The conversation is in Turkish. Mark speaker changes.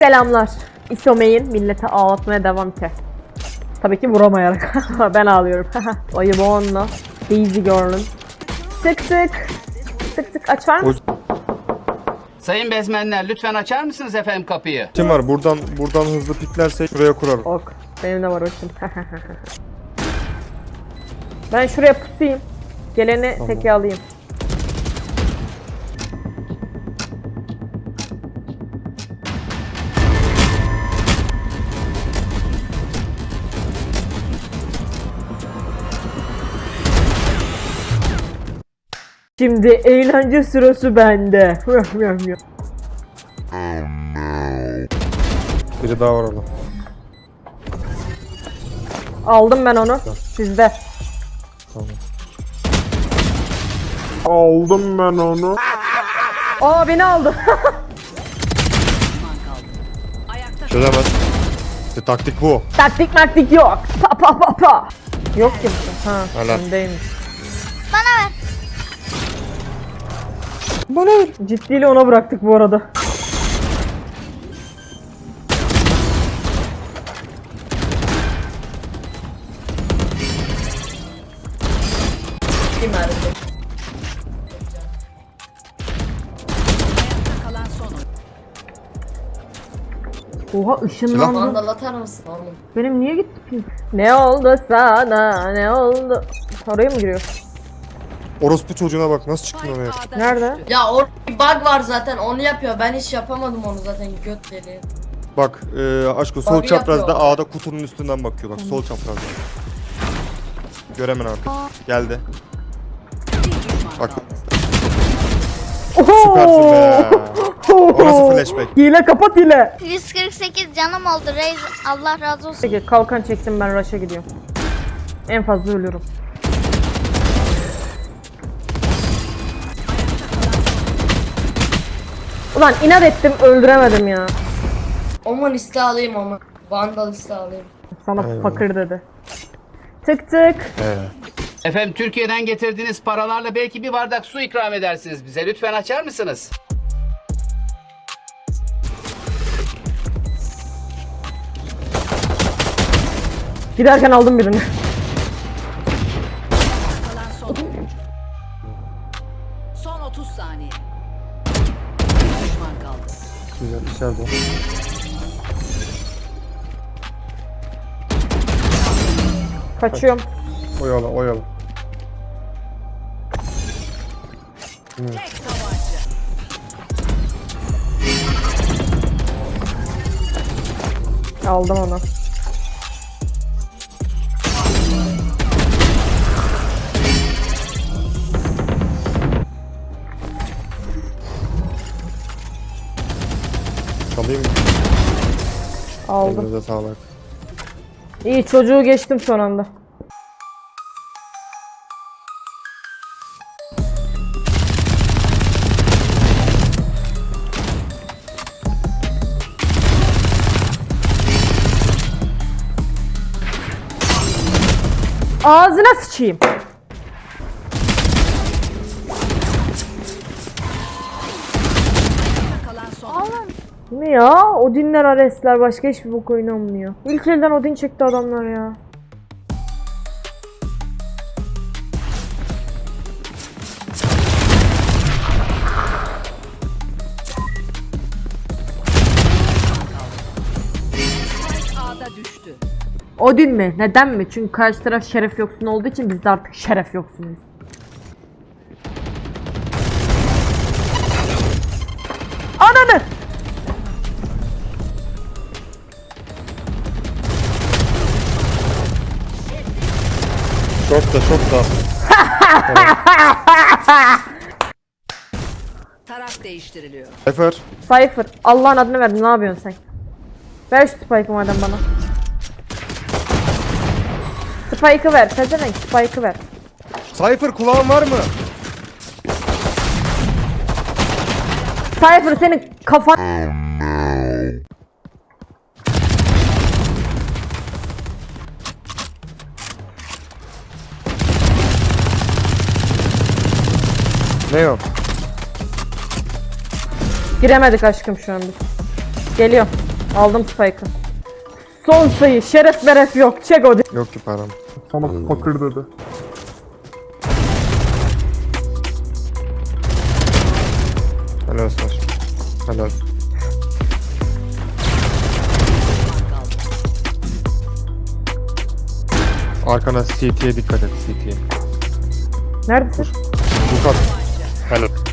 Speaker 1: Selamlar. İsomeyin millete ağlatmaya devam ki. Tabii ki vuramayarak. Ben ağlıyorum. Ayı bu onunla. Easy girl'üm. Tık tık. Tık tık açar mısın?
Speaker 2: Sayın bezmenler lütfen açar mısınız efendim kapıyı?
Speaker 3: Kim var? Buradan hızlı piklersek şuraya kurarım.
Speaker 1: Ok. Benim de var o şimdi. Ben şuraya pusayım. Geleni
Speaker 3: Tamam.
Speaker 1: teke alayım. Şimdi eğlence sırası bende.
Speaker 3: Biri daha var orada.
Speaker 1: Aldım ben onu. Sizde.
Speaker 3: Tamam. Aldım ben onu.
Speaker 1: Aa beni aldı.
Speaker 3: Çözemez. İşte taktik bu.
Speaker 1: Taktik maktik yok. Pa pa pa pa. Yok kimse. Ha,
Speaker 3: Helal.
Speaker 1: öndeymiş.
Speaker 4: Bana ver.
Speaker 1: Bana ver. Ciddiyle ona bıraktık bu arada. Oha ışınlandı.
Speaker 4: Vandal atar mısın oğlum?
Speaker 1: Benim niye gitti pil? Ne oldu sana? Ne oldu? Oraya mı giriyor?
Speaker 3: Orospu çocuğuna bak nasıl çıktın oraya.
Speaker 1: Nerede?
Speaker 4: Ya orada bir bug var zaten, onu yapıyor. Ben hiç yapamadım onu zaten, göt deli.
Speaker 3: Bak aşkım sol
Speaker 4: Bug'ı
Speaker 3: çaprazda
Speaker 4: yapıyor.
Speaker 3: A'da kutunun üstünden bakıyor. Bak sol çaprazda. Göremen artık. Geldi. Bak
Speaker 1: Oho!
Speaker 3: süpersin be. Orası flashback.
Speaker 1: Hile kapat hile.
Speaker 4: 148 canım oldu Reis. Allah razı olsun.
Speaker 1: Peki kalkan çektim ben rush'a gidiyorum. En fazla ölüyorum. Ulan inat ettim öldüremedim ya.
Speaker 4: Oman iste alayım ama. Vandal iste alayım.
Speaker 1: Sana
Speaker 3: Eyvallah.
Speaker 1: fakir dedi. Tık tık.
Speaker 2: Efendim Türkiye'den getirdiğiniz paralarla belki bir bardak su ikram edersiniz bize. Lütfen açar mısınız?
Speaker 1: Giderken aldım birini.
Speaker 5: Son 30 saniye. Bir düşman kaldı.
Speaker 3: Güzel içeride.
Speaker 1: Kaçıyorum.
Speaker 3: Oyala oyala.
Speaker 5: Tek tabanca.
Speaker 1: Aldım onu.
Speaker 3: Çalayım mı?
Speaker 1: Aldım.
Speaker 3: Elinize sağlık.
Speaker 1: İyi çocuğu geçtim son anda. Ağzına sıçayım.
Speaker 5: Kalan son.
Speaker 1: Ne ya? Odinler Aresler başka hiçbir bok oynanmıyor. İlk elden Odin çekti adamlar ya.
Speaker 5: Spike A'da düştü.
Speaker 1: Odin mi? Neden mi? Çünkü karşı taraf şeref yoksun olduğu için biz de artık şeref yoksunuz. Ananı!
Speaker 3: Çok da.
Speaker 5: Taraf değiştiriliyor.
Speaker 3: Efer.
Speaker 1: Cypher. Allah'ın adını verdim. Ne yapıyorsun sen? Ver şu Spike'ı madem bana. Spike'ı ver. Pezevenk Spike'ı ver.
Speaker 3: Cypher kulağın var mı?
Speaker 1: Cypher senin kafan...
Speaker 3: Ne yok?
Speaker 1: Giremedik aşkım şu an biz. Geliyor. Aldım spike'ı. Son sayı. Şeref beref yok. Çek o.
Speaker 3: Yok ki param.
Speaker 6: Sana fakir dedi.
Speaker 3: Helal olsun aşkım. Helal olsun. Arkana CT'ye dikkat et, CT'ye.
Speaker 1: Neredesin?
Speaker 3: Bu kat. Helal.